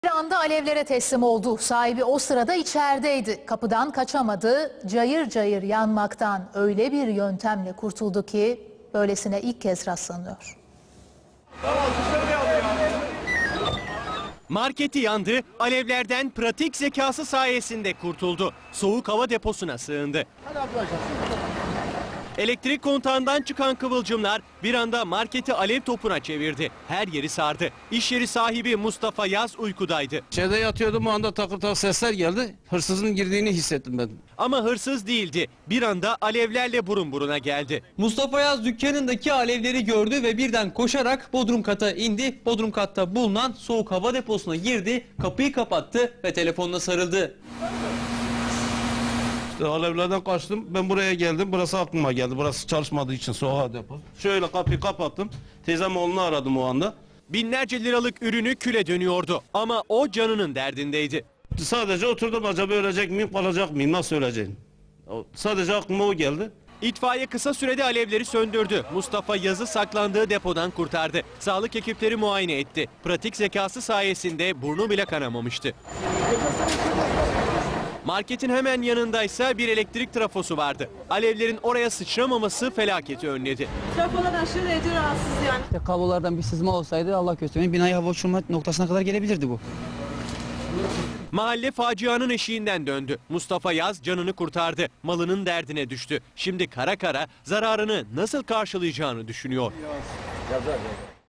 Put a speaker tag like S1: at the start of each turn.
S1: Bir anda alevlere teslim oldu. Sahibi o sırada içerideydi. Kapıdan kaçamadı. Cayır cayır yanmaktan öyle bir yöntemle kurtuldu ki böylesine ilk kez rastlanıyor.
S2: Marketi yandı, alevlerden pratik zekası sayesinde kurtuldu. Soğuk hava deposuna sığındı. Elektrik kontağından çıkan kıvılcımlar bir anda marketi alev topuna çevirdi. Her yeri sardı. İş yeri sahibi Mustafa Yaz uykudaydı.
S3: İçeride yatıyordum, o anda takır takır sesler geldi. Hırsızın girdiğini hissettim ben.
S2: Ama hırsız değildi. Bir anda alevlerle burun buruna geldi.
S4: Mustafa Yaz dükkanındaki alevleri gördü ve birden koşarak bodrum kata indi. Bodrum katta bulunan soğuk hava deposuna girdi, kapıyı kapattı ve telefonuna sarıldı.
S3: İşte alevlerden kaçtım, ben buraya geldim, burası aklıma geldi. Burası çalışmadığı için soğuk hava depo. Şöyle kapıyı kapattım, teyzem oğlunu aradım o anda.
S2: Binlerce liralık ürünü küle dönüyordu. Ama o canının derdindeydi.
S3: Sadece oturdum, acaba ölecek miyim, kalacak mıyım, nasıl öleceğim? Sadece aklıma o geldi.
S2: İtfaiye kısa sürede alevleri söndürdü. Mustafa Yaz'ı saklandığı depodan kurtardı. Sağlık ekipleri muayene etti. Pratik zekası sayesinde burnu bile kanamamıştı. Marketin hemen yanındaysa bir elektrik trafosu vardı. Alevlerin oraya sıçramaması felaketi önledi.
S5: Trafolar aşırı derecede rahatsız yani.
S6: İşte kablolardan bir sızma olsaydı Allah göstermeyin binayı hava uçurma noktasına kadar gelebilirdi bu.
S2: Mahalle facianın eşiğinden döndü. Mustafa Yaz canını kurtardı. Malının derdine düştü. Şimdi kara kara zararını nasıl karşılayacağını düşünüyor.